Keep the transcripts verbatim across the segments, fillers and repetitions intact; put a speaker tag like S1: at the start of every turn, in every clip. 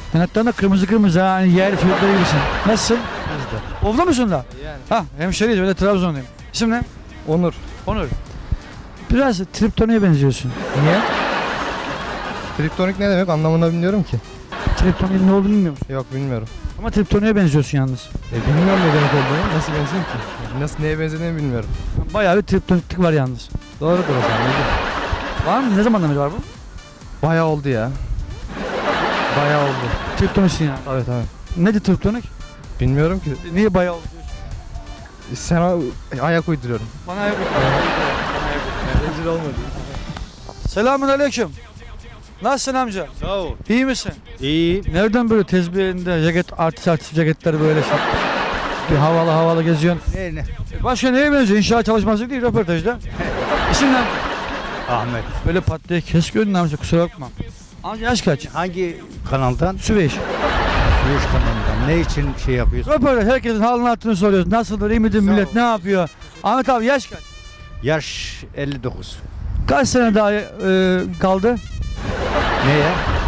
S1: Yanaklarında kırmızı kırmızı ha. Hani yer çocukları gibisin. Nasılsın?
S2: Bizde.
S1: Oflu musun da?
S2: Yani.
S1: Ha hemşeriyiz. Ben de Trabzonluyum. İsim ne?
S2: Onur.
S1: Onur. Biraz Triptoni'ye benziyorsun. Niye?
S2: Kriptonik ne demek anlamını bilmiyorum ki.
S1: Triptoni'nin ne olduğunu bilmiyor musun?
S2: Yok bilmiyorum.
S1: Ama Triptoni'ye benziyorsun yalnız.
S2: E, bilmiyorum ne demek olduğunu. Nasıl benziyor ki? Nasıl neye benzediğini bilmiyorum.
S1: Bayağı bir triptoniklik var yalnız.
S2: Doğrudur o zaman.
S1: Var mı? Ne zamandan beri var bu?
S2: Bayağı oldu ya. Bayağı oldu.
S1: Triptoniksin yani.
S2: Evet evet.
S1: Nedir triptonik?
S2: Bilmiyorum ki.
S1: Niye bayağı oldu diyorsun?
S2: Sana ayak uyduruyorum.
S1: Bana ayak
S2: Rezil olmadı.
S1: Selamun aleyküm. Nasılsın amca?
S3: Sağ ol.
S1: İyi misin?
S3: İyi.
S1: Nereden böyle tezbih elinde ceket, artist artist ceketleri böyle şey? Bir havalı havalı geziyorsun.
S3: Ne ne?
S1: E Başka neye benziyor? İnşaat çalışması değil röportajda. İsim ne amca?
S3: Ahmet.
S1: Böyle pat diye kes gönlün amca kusura bakma. Amca yaş kaç?
S3: Hangi kanaldan?
S1: Süveyş.
S3: Süveyş kanalından. Ne için şey yapıyorsun?
S1: Röportaj herkesin halini hatırını soruyoruz. Nasıldır, iyi midir millet, ne yapıyor? Ahmet abi yaş kaç?
S3: Yaş elli dokuz.
S1: Kaç sene daha e, kaldı?
S3: Neye?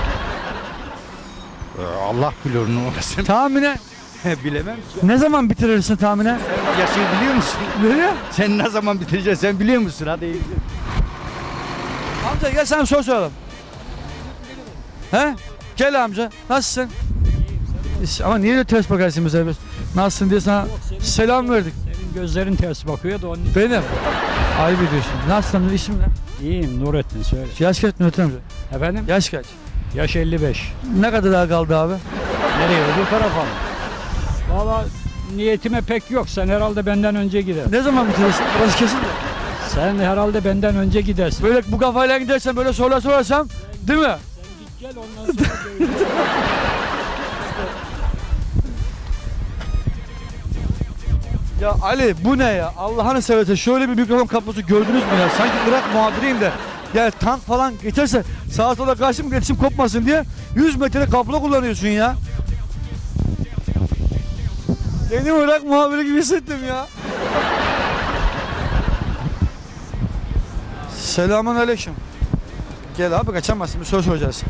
S3: Ee, Allah bilir onu orasını.
S1: Tahmine
S3: Bilemem ki.
S1: ne zaman bitirirsin tahmine?
S3: Sen yaşı biliyor musun?
S1: Nereye?
S3: Sen ne zaman bitireceksin sen biliyor musun? Hadi.
S1: Amca gel sana bir soru soralım. He? Gel amca. Nasılsın? İyi, ama niye öyle ters bakarsın bize? Nasılsın diye sana selam verdik.
S4: Senin gözlerin ters bakıyor da onun için.
S1: Benim. Ayıp ediyorsun. Nasılsın? İsim ne?
S4: İyiyim Nurettin söyle.
S1: Yaş kaç Nurettin amca?
S4: Efendim?
S1: Yaş kaç?
S4: Yaş elli beş.
S1: Ne kadar daha kaldı abi?
S4: Nereye öbür tarafa mı? Valla niyetime pek yok. Sen herhalde benden önce gider.
S1: Ne zaman bitirirsin? Burası kesin de.
S4: Sen herhalde benden önce gidersin.
S1: Böyle bu kafayla gidersen böyle sorular sorarsam değil mi?
S4: Sen git gel ondan sonra görüşürüz.
S1: Ya Ali bu ne ya? Allah'ını seversen şöyle bir mikrofon kablosu gördünüz mü ya? Sanki Irak muhabiriyim de yani tank falan geçerse sağa sola karşı mı iletişim kopmasın diye yüz metre kablo kullanıyorsun ya. Kendimi Irak muhabiri gibi hissettim ya. Selamun aleyküm. Gel abi kaçamazsın bir soru soracağız.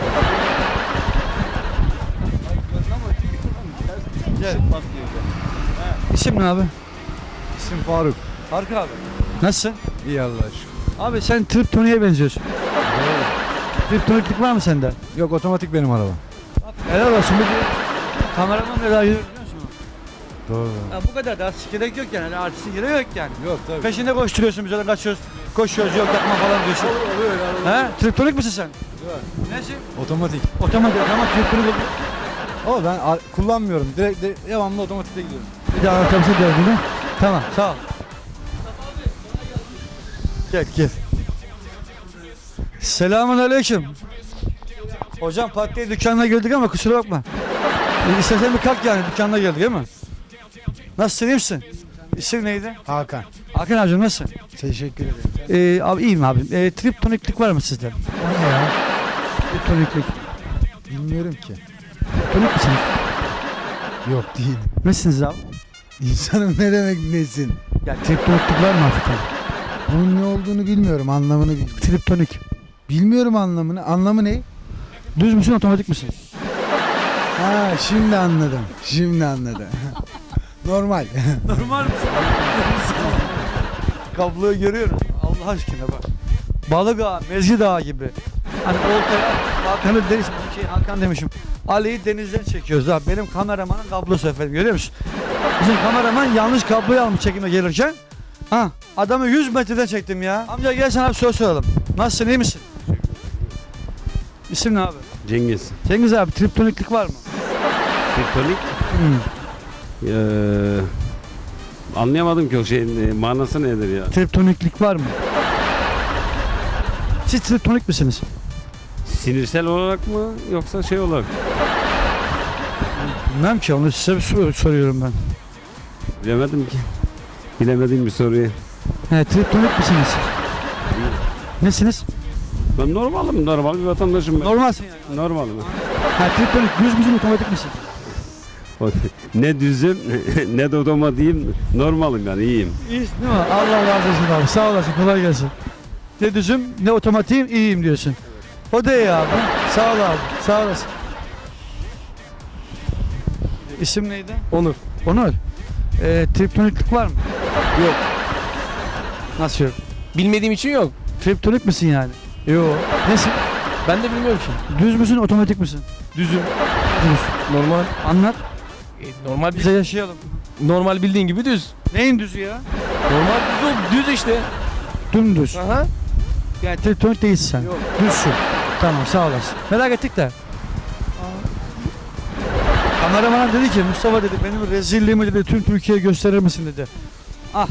S1: Gel. İsim ne abi?
S2: İsim Faruk.
S1: Faruk abi. Nasılsın?
S2: İyi Allah aşkına.
S1: Abi sen Triptoni'ye benziyorsun. Triptoniklik var mı sende?
S2: Yok otomatik benim araba.
S1: Helal olsun. Bir kameraman ne daha yürüyor biliyor musun?
S2: Doğru.
S1: Ya bu kadar da artist gerek yok yani. Artistin gerek yok yani.
S2: Yok tabii.
S1: Peşinde koşturuyorsun biz öyle kaçıyoruz. Koşuyoruz yok yapma falan diyorsun.
S2: Oluyor oluyor.
S1: He? Triptonik misin sen?
S2: Yok.
S1: Nesin?
S2: Otomatik.
S1: Otomatik ama triptonik oluyor.
S2: Ama ben a- kullanmıyorum. Direkt de, devamlı otomatikte gidiyorum.
S1: Bir daha anlatabilirsin derdini. Tamam sağ ol. Gel gel. Selamun aleyküm. Hocam patiye dükkanına girdik ama kusura bakma. E, İstersen bir kalk yani dükkanına geldik değil mi? Nasılsın iyi misin? İsim neydi?
S2: Hakan.
S1: Hakan abicim nasılsın?
S2: Teşekkür ederim.
S1: Ee, abi iyiyim abim. Ee, triptoniklik var mı sizde?
S2: O ne ya?
S1: Triptoniklik.
S2: Bilmiyorum ki.
S1: Triptonik misiniz?
S2: Yok değil.
S1: Nesiniz abi?
S2: İnsanın ne demek nesin?
S1: Ya triptoniklik var mı hafiften?
S2: Bunun ne olduğunu bilmiyorum. Anlamını bil.
S1: Triptonik.
S2: Bilmiyorum anlamını. Anlamı ne?
S1: Düz müsün otomatik misin?
S2: Ha şimdi anladım. Şimdi anladım. Normal.
S1: Normal misin? Kabloyu görüyoruz. Allah aşkına bak. Balık ağa, mezgi dağı gibi. Hani oltaya Hakan'ı deniz, şey Hakan demişim. Ali'yi denizden çekiyoruz abi. Benim kameramanın kablosu efendim görüyor musun? Bizim kameraman yanlış kabloyu almış çekime gelirken. Ha, adamı yüz metreden çektim ya. Amca gel sana bir soru soralım. Nasılsın iyi misin? İsim ne abi?
S5: Cengiz.
S1: Cengiz abi triptoniklik var mı?
S5: Kriptonik.
S1: Hmm.
S5: Ee, anlayamadım ki o şeyin e, manası nedir ya?
S1: Triptoniklik var mı? Siz triptonik misiniz?
S5: Sinirsel olarak mı yoksa şey olarak?
S1: Bilmem ki onu size bir sor- soruyorum ben.
S5: Bilemedim ki. Bilemediğim bir soruyu.
S1: He, triptonik misiniz? Nesiniz?
S5: Ben normalim, normal bir vatandaşım ben.
S1: Normalsin yani.
S5: Normalim.
S1: Ha, triptonik düz müsün otomatik misin?
S5: Ne düzüm ne de otomatiğim, normalim yani iyiyim.
S1: İyisin değil mi? Allah razı olsun abi. Sağ olasın. Kolay gelsin. Ne düzüm ne otomatiğim iyiyim diyorsun. O da iyi abi. Sağ ol abi. Sağ olasın. İsim neydi?
S2: Onur.
S1: Onur. Ee, triptoniklik var mı?
S2: Yok.
S1: Nasıl yok?
S2: Bilmediğim için yok.
S1: Triptonik misin yani?
S2: Yok.
S1: Nesin?
S2: Ben de bilmiyorum ki.
S1: Düz müsün, otomatik misin?
S2: Düzüm.
S1: Düz.
S2: Normal.
S1: Anlat.
S2: E, normal
S1: Bize yaşayalım.
S2: normal bildiğin gibi düz.
S1: Neyin düzü ya?
S2: Normal düz ol. Düz işte.
S1: Dümdüz.
S2: Aha.
S1: Yani triptonik değilsin sen.
S2: Yok.
S1: Düzsün. Tamam, sağ olasın. Merak ettik de. Kameraman dedi ki, Mustafa dedi, benim rezilliğimi dedi tüm Türkiye'ye gösterir misin dedi. Ah.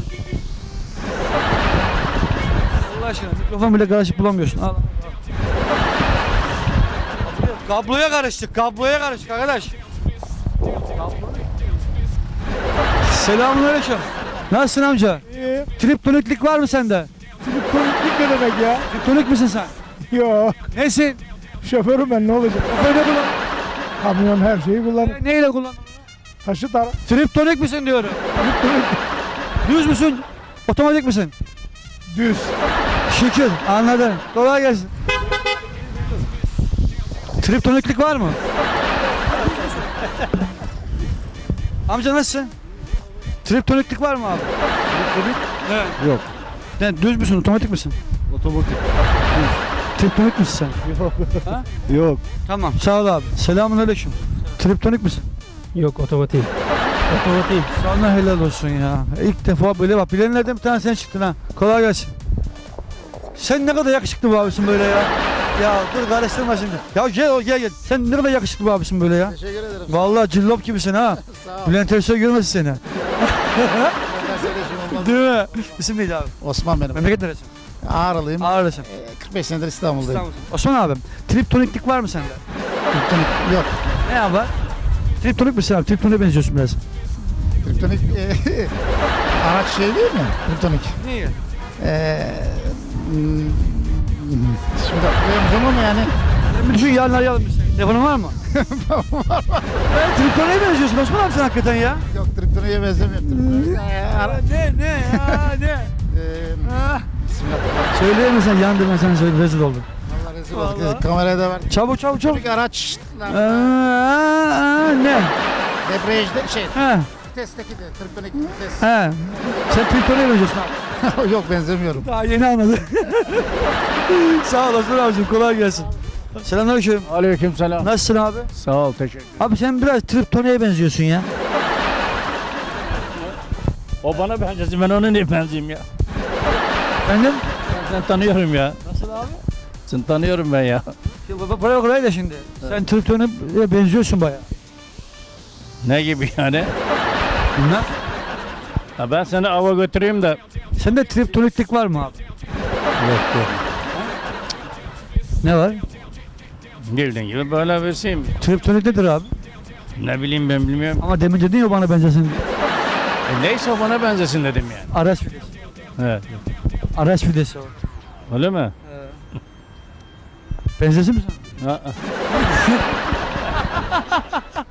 S1: Allah aşkına mikrofon bile karışık bulamıyorsun. Al. Kabloya karıştık, kabloya karıştık arkadaş. Selamünaleyküm. Nasılsın amca?
S6: İyi.
S1: Triptoniklik var mı sende?
S6: Triptoniklik ne demek ya?
S1: Triptonik misin sen?
S6: Yok.
S1: Nesin?
S6: Şoförüm ben, ne olacak?
S1: Öyle kullan.
S6: Kamyon her şeyi kullanır.
S1: Ne- Neyle kullan?
S6: Taşı tar.
S1: Triptonik misin diyorum. Düz müsün? Otomatik misin?
S6: Düz.
S1: Şükür, anladım. Kolay gelsin. Triptoniklik var mı? Amca nasılsın? Triptoniklik var mı abi? Triptonik? Evet.
S3: Yok.
S1: Ne, düz müsün, otomatik misin?
S3: Otomatik.
S1: Triptonik misin sen?
S6: Yok.
S1: Ha?
S3: Yok.
S1: Tamam, sağ ol abi. Selamünaleyküm. Triptonik misin?
S2: Yok otomatik. Otomatik.
S1: Sana helal olsun ya. İlk defa böyle bak, bilenlerden bir tane sen çıktın ha. Kolay gelsin. Sen ne kadar yakışıklı bir abisin böyle ya. Ya dur karıştırma şimdi. Ya gel gel gel. Sen ne kadar yakışıklı bir abisin böyle ya.
S6: Teşekkür ederim.
S1: Vallahi cillop gibisin ha.
S6: Sağ ol.
S1: Bülent Ersoy görmesin seni.
S6: Olmaz.
S1: Değil mi? İsim neydi abi?
S6: Osman benim.
S1: Memleket neresi?
S6: Ağrılıyım.
S1: Ağrı'lısın.
S6: Ee, kırk beş senedir İstanbul'dayım.
S1: İstanbul'sun. Osman abim, triptoniklik var mı sende?
S6: Triptonik yok.
S1: Ne ya var? Triptonik misin abi? Triptonik'e benziyorsun biraz.
S6: Triptonik e, araç şey değil mi? Triptonik.
S1: Niye?
S6: Ee, hmm, şimdi hatırlayamayacağım ama yani
S1: Ben bütün yarın arayalım biz seni. Telefonun var mı? var var. Triptonik'e benziyorsun Osman abi sen hakikaten ya.
S6: yok, triptonik'e benzemiyor. Triptonik, ee, ara,
S1: Ne ne ya ne?
S6: ee,
S1: Ah.
S6: bismillah.
S1: Söyleyemesen yandım ben sana söyle rezil oldum.
S6: Allah rezil
S1: Vallahi.
S6: olduk. Kameraya da var.
S1: Çabuk çabuk çabuk.
S6: Triptonik araç.
S1: Aa, aa, ne?
S6: Debriyajda şey,
S1: Ha,
S6: vitesteki de triptonik vites.
S1: ha. Sen triptonik'e benziyorsun abi.
S6: Yok, benzemiyorum.
S1: Daha yeni anladım. Sağ olasın abicim, kolay gelsin. Selamünaleyküm.
S4: Aleyküm selam.
S1: Nasılsın abi?
S4: Sağ ol, teşekkür.
S1: Abi sen biraz triptonik'e benziyorsun ya.
S4: O bana benzesin, ben ona niye benzeyeyim ya?
S1: Efendim?
S4: Ben seni tanıyorum ya.
S1: Nasıl abi?
S4: Seni tanıyorum ben ya.
S1: Buraya kolay da şimdi. Sen triptonik'e benziyorsun baya.
S4: Ne gibi yani?
S1: Bilmem.
S4: Ha, ben seni ava götüreyim de.
S1: Sende triptoniklik var mı abi?
S4: Yok yok.
S1: Ne var?
S4: Bildiğin gibi böyle versiyim.
S1: Triptonik nedir abi?
S4: Ne bileyim ben bilmiyorum.
S1: Ama demin dedin ya bana benzesin diye.
S4: E, neyse o bana benzesin dedim yani.
S1: Araç fidesi.
S4: Evet.
S1: Araç fidesi o.
S4: Öyle mi?
S1: Benzesin mi sana?
S4: Ha, ha.